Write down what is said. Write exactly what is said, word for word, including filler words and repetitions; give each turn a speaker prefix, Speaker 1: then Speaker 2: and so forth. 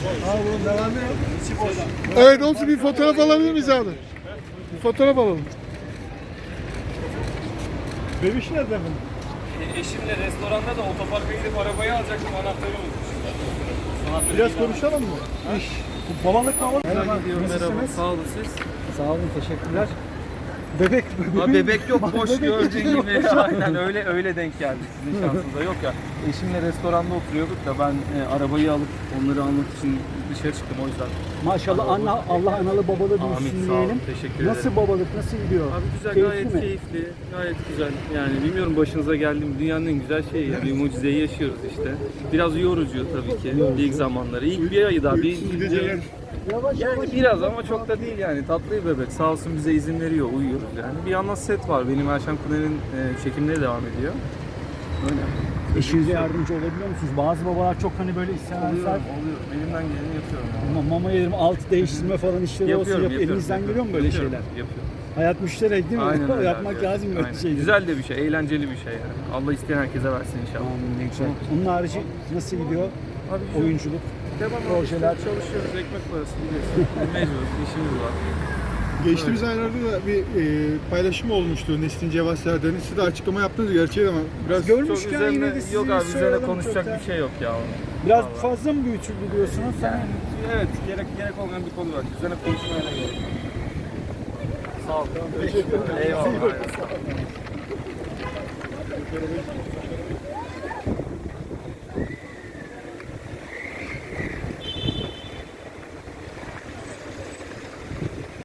Speaker 1: Abi bunun devamı yok. İçi boş.
Speaker 2: Evet olsun, bir fotoğraf alabilir miyiz abi? Bir fotoğraf alalım.
Speaker 1: Bebiş nerede efendim?
Speaker 3: E, eşimle restoranda da otoparka gidip arabayı alacaktım, anahtarı unutmuşum. Anahtarı
Speaker 1: Biraz
Speaker 3: yine
Speaker 1: konuşalım mı? İş. Bu babalık mı alalım?
Speaker 3: aldım. Gidiyorum, merhaba. Sağ olun siz.
Speaker 1: Sağ olun, teşekkürler. Bebek,
Speaker 3: Ha, bebek yok, boş
Speaker 1: Bebek
Speaker 3: gördüğün
Speaker 1: yok.
Speaker 3: gibi. Aynen öyle öyle denk geldik sizin şansınıza. Yok ya, eşimle restoranda oturuyorduk da ben e, arabayı alıp onları almak için dışarı çıktım, o yüzden.
Speaker 1: Maşallah Allah, Allah analı babalı
Speaker 3: Amin,
Speaker 1: büyüsün
Speaker 3: sağ olun,
Speaker 1: diyelim.
Speaker 3: teşekkür
Speaker 1: Nasıl
Speaker 3: ederim.
Speaker 1: babalık, nasıl gidiyor?
Speaker 3: Abi güzel,
Speaker 1: Keyifli
Speaker 3: gayet
Speaker 1: mi?
Speaker 3: keyifli, gayet güzel. Yani bilmiyorum başınıza geldi mi, dünyanın en güzel şeyi ya. Bir mucizeyi yaşıyoruz işte. Biraz yorucu tabii ki ilk zamanları. İlk bir ayı daha, bir, bir
Speaker 1: Yavaş
Speaker 3: yani
Speaker 1: yavaş.
Speaker 3: biraz ama çok da değil yani. Tatlı bir bebek. Sağ olsun bize izin veriyor, uyuyoruz yani. Bir yandan set var. Benim Erşen Kuner'in e, çekimleri devam ediyor. Öyle.
Speaker 1: Eşinize yardımcı olabiliyor musunuz? Bazı babalar çok hani böyle istemezler.
Speaker 3: Oluyorum, oluyorum. Elimden geleni yapıyorum. Yani.
Speaker 1: Ama mama yerim, alt değiştirme falan işleri olsun.
Speaker 3: Yapıyorum,
Speaker 1: Yap,
Speaker 3: yapıyorum.
Speaker 1: elinizden
Speaker 3: yapıyorum.
Speaker 1: geliyor mu böyle
Speaker 3: Yapıyorum,
Speaker 1: şeyler?
Speaker 3: Yapıyorum.
Speaker 1: Hayat müşterek değil mi?
Speaker 3: Aynen öyle.
Speaker 1: Yapmak
Speaker 3: abi,
Speaker 1: lazım böyle
Speaker 3: aynen.
Speaker 1: şeyleri.
Speaker 3: Güzel de bir şey, eğlenceli bir şey yani. Allah isteyen herkese versin inşallah.
Speaker 1: Amin, ne güzel. Onun harici nasıl gidiyor?
Speaker 3: Abi güzel.
Speaker 1: Oyunculuk.
Speaker 3: Devam
Speaker 1: projeler.
Speaker 3: işte çalışıyoruz, ekmek parası biliyorsun. Mecbur, işimiz var.
Speaker 2: Geçtiğimiz aylarda da bir e, paylaşım olmuştu Nesrin Cevat Serdar'ın. Siz de açıklama yaptınız gerçeği ama biraz
Speaker 3: Çok
Speaker 1: Görmüşken
Speaker 3: üzerine,
Speaker 1: yine de sizi
Speaker 3: yok abi üzerine
Speaker 1: soralım
Speaker 3: konuşacak
Speaker 1: çok da.
Speaker 3: bir şey yok ya.
Speaker 1: Biraz
Speaker 3: Vallahi.
Speaker 1: fazla mı büyütüldü diyorsunuz?
Speaker 3: Yani, evet, gerek gerek olmayan bir konu var. Üzerine konuşmaya da gerek yok. Sağ ol.
Speaker 1: Teşekkür ederim.
Speaker 3: Eyvallah.